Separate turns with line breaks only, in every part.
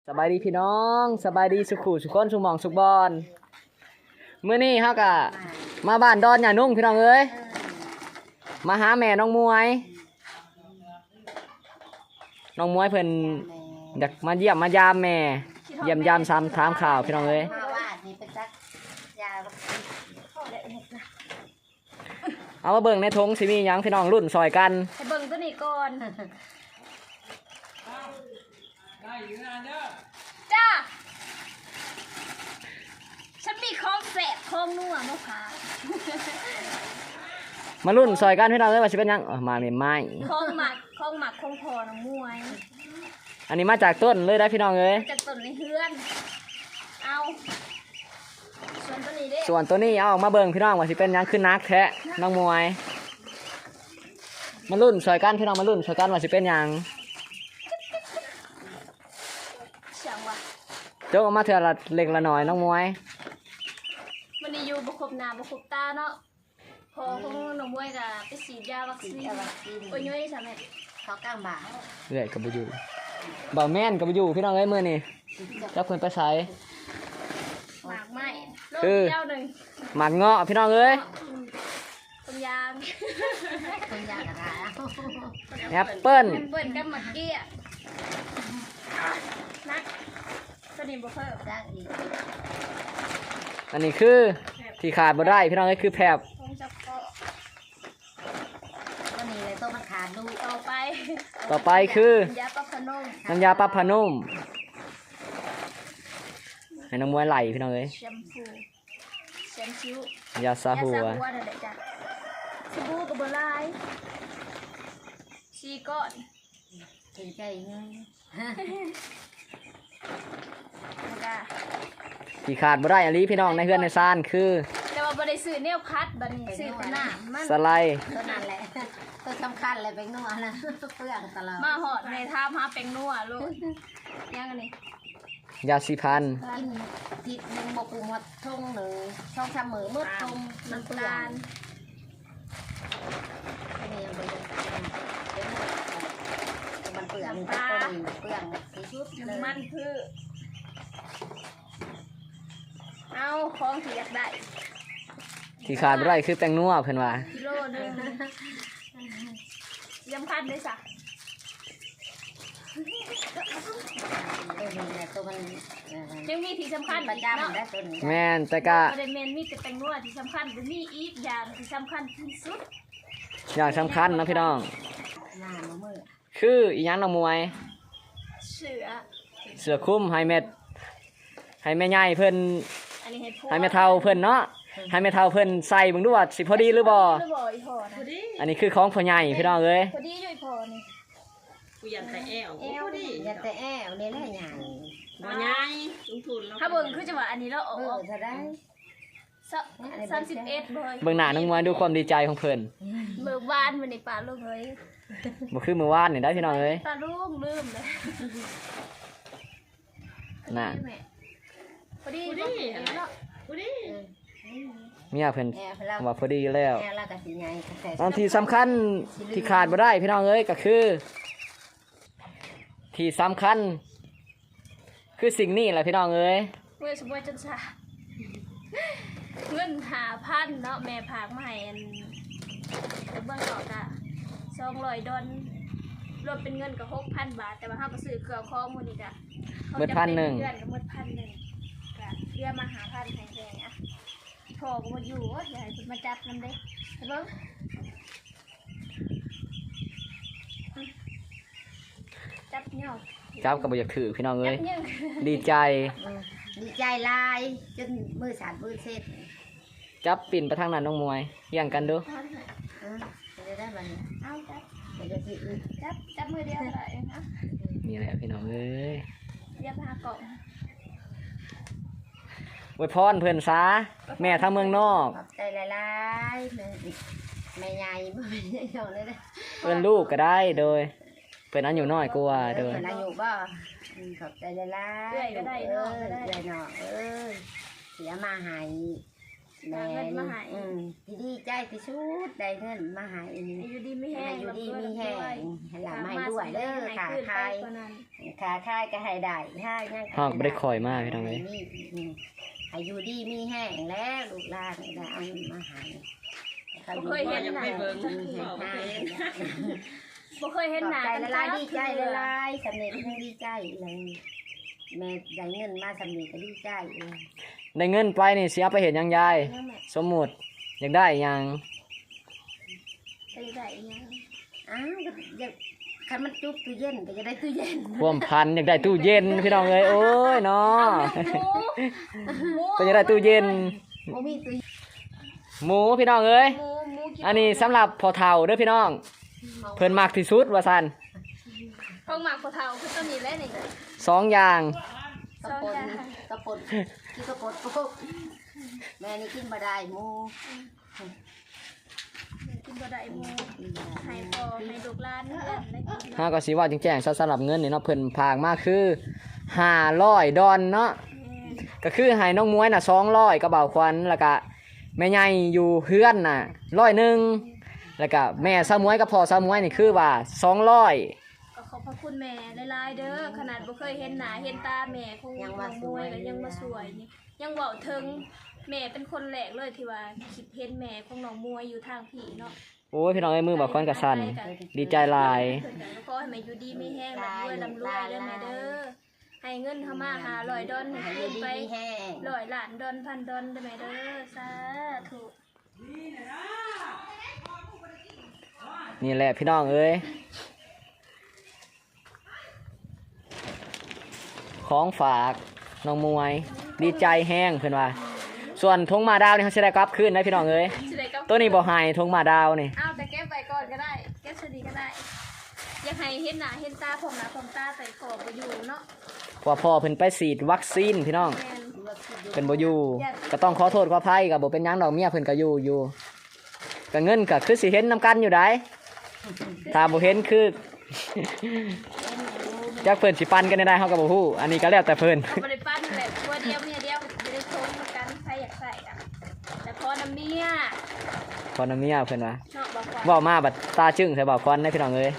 สบายดีพี่น้องสบายดีสุขุสุขคนสุหมองสุขบอลมื้อนี้เฮากะมาบ้านดอนหย่านุ่งพี่น้องเอ้ยมาหาแม่น้องมวยน้องมวยเพิ่นอยากมาเยี่ยมมายามแม่เยี่ยมยามซ้ำถามข่าวพี่น้องเอ้ยเอามาเบิ่งในทงสิมีหยังพี่น้องรุ่นซอยกัน
ให้เบิ่งตัวนี้ก่อนจ้าฉันมีของแสบของนัวมะพร้าว
มารุ่นซอยกันพี่น้องเอ้ยว่าสิเป็นหยังมาเม่นไม้
ของหมักของพอน้องมวย
อันนี้มาจากต้นเลยได้พี่น้องเอ้ย
จากต้นในเฮือนเอาส่วนตัวนี้เด้
ส่วนตัวนี้เอาออกมาเบิ่งพี่น้องว่าสิเป็นหยังขึ้นนักแท้น้องมวยมารุ่นซอยกันพี่น้องมารุ่นซอยกันว่าสิเป็นหยัง
เสียงว่ะ
โจกออกมาเถื่อละเล็กละหน่อยน้องมวย
วันนี้อยู่บ่ครบหน้าบ่ครบตาเนาะพอของน้องมวยก็ไปฉีดยาวัคซีนโอ้ยย้อยใช่ไหมเขากลางบ่า
เรื่อยกับบุยูบ่าวแม่นกับบุยูพี่น้องเอ้ยมื้อนี้เจ้าคนไปใส่
หมากไม้โลกเดียวหนึ่ง
หมากเงาะพี่น้องเอ้ย
ต้นยางต้นยางอะไร
แอปเปิ้ล
กับมะเกี้ยนักตัวนี้บ่เพิ่มได้อีก
อันนี้คือที่ขาดบ่ได้พี่น้องเอ้ยคือแผบ
ตัวนี้เลยต้องมาขาดดูต่
อไปคือ
น้ำยาปลาพนุ่ม
น้ำยาปลาพนุ่มให้น้องมวยไหลพี่น้องเอ้ย
แชมชิวย
าซาหัว
นั่นแหละจ้ะสบู่กับบลายชีก้อนเป็นใจเงี้ย
ที่ขาดบ่ได้อันนี้พี่น้องในเฮือนในซ่านคือ
แต่ว่าบ่ได้ซื้อแนวพัดบัดนี้ซื้อแต่น้ำมัน
สไลด์
ตัวนั้นแหละตัวสำคัญเลยเป็นนัวนะเปลือกตลอดมาหอดในท่ามาเป็นนัวลูกยังอันนี้
ยาสีพัน
กินติดมึงบอกกูมาทุ่งหนึ่งช่องทำมือมืดตรงน้ำตาลนี่ยังไปมันเปลือกปลาเปลือกสีชุบน้ำมันคือเอาของที่อยากได้
ที่ขาดบ่ได้คือแป้งนัวเพิ่นว่า
กิโลนึงยำคันเลยจ้ะยังมีที่สำคัญประจำได้ตัวนี้
แม่นแต่ก็
ประเด็นมีแต่แป้งนัวที่สำคัญแต่มีอีกอย่างที่สำคัญที่สุด
อย่างสำคัญนะพี่น้องคืออีหยังน้องมวยเสือคุ้มให้แม่ใหญ่เพิ่นให้แม่เฒ่าเพิ่นเนาะให้แม่เฒ่าเพิ่นใส่เบิ่งดูว่าสิพอดีหรือบ่อันนี้คือของพ่อใหญ่พี่น้องเอ้ย
พอดีอยู่พอนี่
กูยันแต่แอว
พอดียันแต่แอวนี่แหละใหญ่
บ่ใหญ่ลงทุน
ถ้าเบิ่งคือจะว่าอันนี้เราออกจะได้31
เบิ่งหน้าน้องมวยดูความดีใจของเพิ่น
เมื่อวานมื้อนี้ป้าลุงเอ้ย
บ่คือมื้อวานนี่ได้พี่น้องเอ้ย
ป้าลุงลืมเลย
น่ะ
พอดี
เมียเพิ่นว่าพอดีแล้วตอนที่สำคัญที่ขาดบ่ได้พี่น้องเอ้ยก็คือที่สำคัญคือสิ่งนี้แหละพี่น้องเอ้ย
เมื่อสมบูรณ์จนซาเงิน5,000เนาะแม่พากมาให้อันเบิ่งออกอ่ะ200 ดอลรวมเป็นเงินก็ 6,000 บาทแต่ว่าเฮาก็ซื้อเครื่องของมื้อนี้จ้ะ
เบิด1,000เดื
อนก็หมด1,000ก็เรียมา5,000แพงๆอ่ะพอก็บ่อยู่อย่าให้เพิ่นมาจับนำเด้เบิ่งจับเหนี่ยว
จับก็บ่อยากถือพี่น้องเอ้ยดีใจ
ลายจนมือสั่นมือเซ็ด
จับปิ่นไปทางนั้นน้องมวยเยี่ยงกันดู
จะได้บัดนี้เอาจับมือเดียวเลยนะ
นี่แหละพี่น้องเอ้ย
เรียกพากล่อง
อวยพรเพิ่นซะแม่ทางเมืองนอก
ขอบใจหลายๆแม่ใหญ่บ่แม่ใหญ่เท่าเลยเด้
เพิ่นลูกก็ได้โดยเพิ่นอายุน้อยกว่าโดย
เพิ่นอายุบ่ขอบใจหลายๆเอื้อยก็ได้เนาะเอื้อยเนาะเสียมาให้
แม่
เงินมาให้
ที่ดีใจที่สุดได้เงินมาให้
อยู่ดีไม่แห้ง
อยู่ดีมีแห้งให้หลานมาให้ด้วยเด้อขาคายก็ให้ได้ให้ยัง
ฮอกบ่ได้คอยมาพี่น้องเอ้ย
ให้อยู่ดีมีแห้งแล้วลูกหลานได้เอาเงินมาให้
บ่เคยเห็น
ยัง
หน้า
ไม่เบิ่ง
บ่เคยเห็นหน้า
ใจ
กัน
ละลายดีใจละลายสำเร็จดีใจเลยแม่ได้เงินมาสำเร็จก็ดีใจเลย
ได้เงินไปนี่สิเอาไปเฮ็ดหยังยายสมมุติอยากได้หยัง
ไปได้ยัง
อ้าวอยากคันมันจุบตู้เย็นก็จะได้ตู้เย็น
ความพันอยากได้ตู้เย็นพี่น้องเอ้ยโอ้ยเนาะก็อยากได้ตู้เย็น
บ่มีตู้
หมูพี่น้องเอ้ย
หมูกิน
อันนี้สำหรับพอเฒ่าเด้อพี่น้องเพิ่นมักที่สุดว่าซั่น
ของหมักกะเทาคือตัวนี้แหละนี่
2อย่าง
กระปนกระปนกินกระปนปุ๊บแม่นี่กินบ่ได้หมู
กินบ่ได้หมูให้พ่อให้ลูกหลานเอิ้นได้กิน
เฮาก็สิว่าแจ้งๆสำหรับเงินนี่เนาะเพิ่นพากมาคือ500ดอนเนาะก็คือให้น้องมวยน่ะ200กระเบาควันแล้วก็แม่ใหญ่อยู่เฮือนน่ะ100แล้วก็แม่ซามวยกับพ่อซามวยนี่คือว่า200
ก็ขอบพระคุณแม่หลายๆเด้อขนาดบ่เคยเห็นหน้าเห็นตาแม่คงยังมวยก็ยังมาสวยนี่ยังเว้าถึงแม่เป็นคนแรกเลยที่ว่าคิดเห็นแม่ของน้องมวยอยู่ทางพี่เนาะ
โอ้ยพี่น้องเอ้ยมือบ่ควันก็สั่นดีใจหลาย
เพิ่นก็ขอให้แม่อยู่ดีมีแห้งร่ำรวยเด้อแม่เด้อให้เงินเข้ามา500ดอล
ให้
คืน
ดี
ไป
มีแห้ง
100ล้านดอลพันดอลเด้อแม่เด้อสาธุ
นี่แหละพี่น้องเอ้ยของฝากน้องมวยดีใจแห้งเพิ่นว่า ส่วนทงมาดาวนี่เขาสิได้กลับคืนนะพี่น้องเอ้ย
สิได้กับ
ตัวนี้บ่ให้ทงมาดาวนี่
อ้าวแต่เก็บไว้ก่อนก็ได้เก็บสดีก็ได้อยากให้เห็นหน้าเห็นตาผมหน้าผมตาใส่ขอบบ่อยู่เนาะ
เพราะว่าพ่อเพิ่นไปฉีดวัคซีนพี่น้อง
แม่น
เพิ่นบ่อยู่ก็ต้องขอโทษขออภัยก็บ่เป็นหยังดอกเมียเพิ่นก็อยู่ก็เงินก็คือสิเห็นนํกันอยู่ได้ถ้าบ่เห็นคือ จักเพิ่นสิปั่นกันได้เฮาก็บ่ฮู้อันนี้ก็แล้วแต่เพิ่น
เอาบ่ได้ปั้นแหละตัวเดียวเมียเดียวจะได้ชมกันใครอยากใส่อ่ะแต่พอน้ำเมีย
พอน้ำเมียเพิ่นว่า
เนาะบอกว่า
เว้ามาบัดตาจึ้งใส่บ่าวควันนะพี่น้องเอ้ย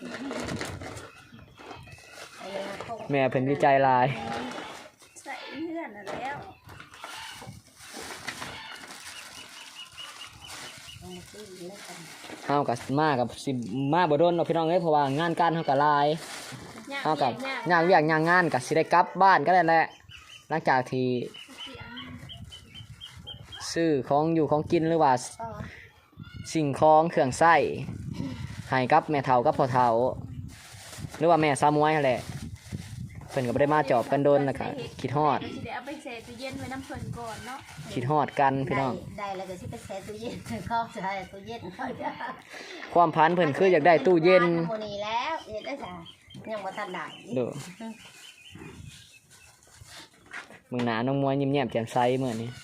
แม่เพิ่นดีใจหลาย
ใส่เพื่อนน่ะแล้ว
เฮาก็มากับสิมาบ่โดนเนาะพี่น้องเอ้ยเพราะว่างานการเฮาก็หลาย
ยาก
เฮาก็
ยาก
ย่างเวียกย่างงานก็สิได้กลับบ้านก็ได้แหละหลังจากที่
เสียง
ซื้อของอยู่ของกินหรือว่าสิ่งของเครื่องใช้ให้กับแม่เฒ่ากับพ่อเฒ่าหรือว่าแม่ซามวยนั่นแหละเพิ่นก็บ่ได้มาจอบกันโดนแล้วก็คิดฮอด
ก็สิได้เอาไปใส่ตู้เย็นไว้น้ำเพิ่นก่อนเนาะ
คิดฮอดกันพี่น้อง
ได้แล้วก็สิไปแช่ตู้เย็นเขาใส่ตู้เย็นเขาจะ
ความพันเพิ่นคืออยากได้ตู้เย็น
หมู่นี้แล้วเฮ็ดได้จ้ะยังบ่ทันได้
ดูมึงหนาน้องมวยยิ้มแย้มแจ่มใสเหมือนนี้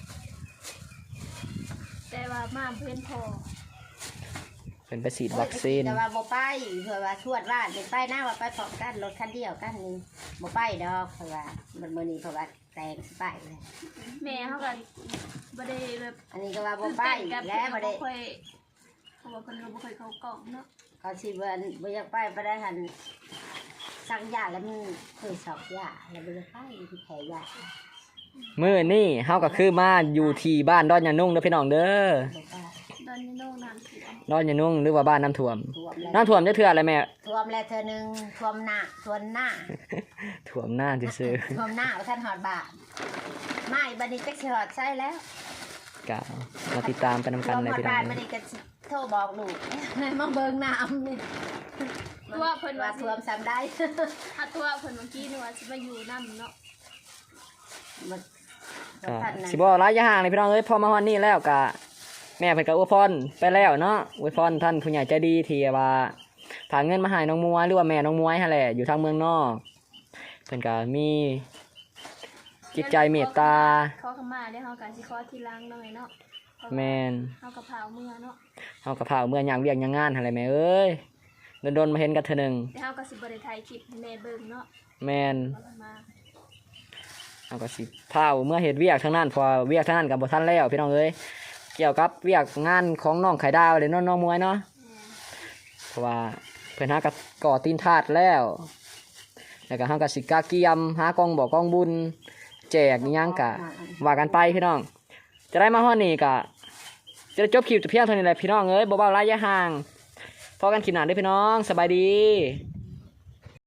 แต่ว่ามาเพิ่นพอ
เป็นไปฉีดวัคซีน
แต่ว่าบ่ไปเพื่อว่าชวดว่าเป็นไปหน้าว่าไปพร้อมกันรถคันเดียวกันนี่บ่ไปดอกเพราะว่ามันมื้อนี้เพราะว่าแต่งสิไปเลย
แม่เขาก็บ่ได้แบบ
อันนี้ก็ว่าบ่ไป
กับ
แล้วบ่ได้
ค่อยเพราะว่าเพิ่นก็บ่ค่อยเข้ากล่องเนาะ
เขาสิบ่อยากไปบ่ได้หันสั่งยาแล้วมันเคยสอบยาแล้วบ่ได้ไปที่แพ้ยา
มื้อนี้เฮาก็คือมาอยู่ที่บ้านดอนยานุ่งเด้อพี่น้องเด้อ
บ่ไป
ตอนนี้น้องน้ำเสีย
ดอนยานุ่งหรือว่าบ้านน้ำท่วม
ท่วมแล้ว
น้ำท่วมจะเทื่ออะไรแม่
ท่วมแล้วเธอหนึงท่วมหน้าท่วมหน้า
ท่วมหน้าซื่อ
ท่วมหน้าว่าท่านหอดบาทไม่บัดนี้จักสิหอดใช่แล้ว
ๆก็มาติดตามกันนำกัน
ท่วม
เลย
หอด
พี่น้
บา
อ
ท
ง
บัดนี้ก็สิโทรบอกลูก มาเบิ่งน้ำนี่
ตัวเพิ่น
ว่า
ว่า
ท่วมซ้ำได้
ถ้าตัวเพิ่นเมื่อกี้นี่ว่าสิมาอยู่นำเนาะ
มัน
ก็
ท่านนั้น
สิบ่ระยะห่างเลยพี่น้องเอ้ยพอมาฮอดนี้แล้วก็แม่เพิ่นก็อวยพรไปแล้วเนาะอวยพรท่านผู้ใหญ่ใจดีที่ว่าฝากเงินมาให้น้องมวยหรือว่าแม่น้องมวยหั่นแหละอยู่ทางเมืองนอกเพิ่นก็มีจิตใจเมตตา
ขอขมาได้เฮาก็สิขอทีหลังหน่อยเนาะ
แม่น
เฮาก็พาเมื่อเนาะ
เฮาก็พาเมื่อย่างเวียกย่างงานหั่นแหละแม่เอ้ยโดนๆมาเห็นกันเทื่อหนึง
แต่เฮาก็สิบ่ได้ถ่ายคลิปให้แม่เบิ่งเนาะ
แม่น
ขอขมา
เอาก็สิพาเมื่อเฮ็ดเวียกทางนั้นเพอเวียกทางนั้นก็บ่ทันแล้วพี่น้องเอ้ยเกี่ยวกับเวียกงานของน้องไข่ดาวเลยน้องมวยเนาะเพราะว่าเพิ่นหากับก่อตีนทาดแล้วก็เฮาก็สิกาเกียมหากองบ่กองบุญแจกอิหยังก็ว่ากันไปพี่น้องจะได้มาฮอดนี้ก็จะได้จบคลิปแต่เพียงเท่านี้แหละพี่น้องเอ้ยบ่เว้าระยะห่างพอกันคลิปหน้าเด้อพี่น้องสบายดี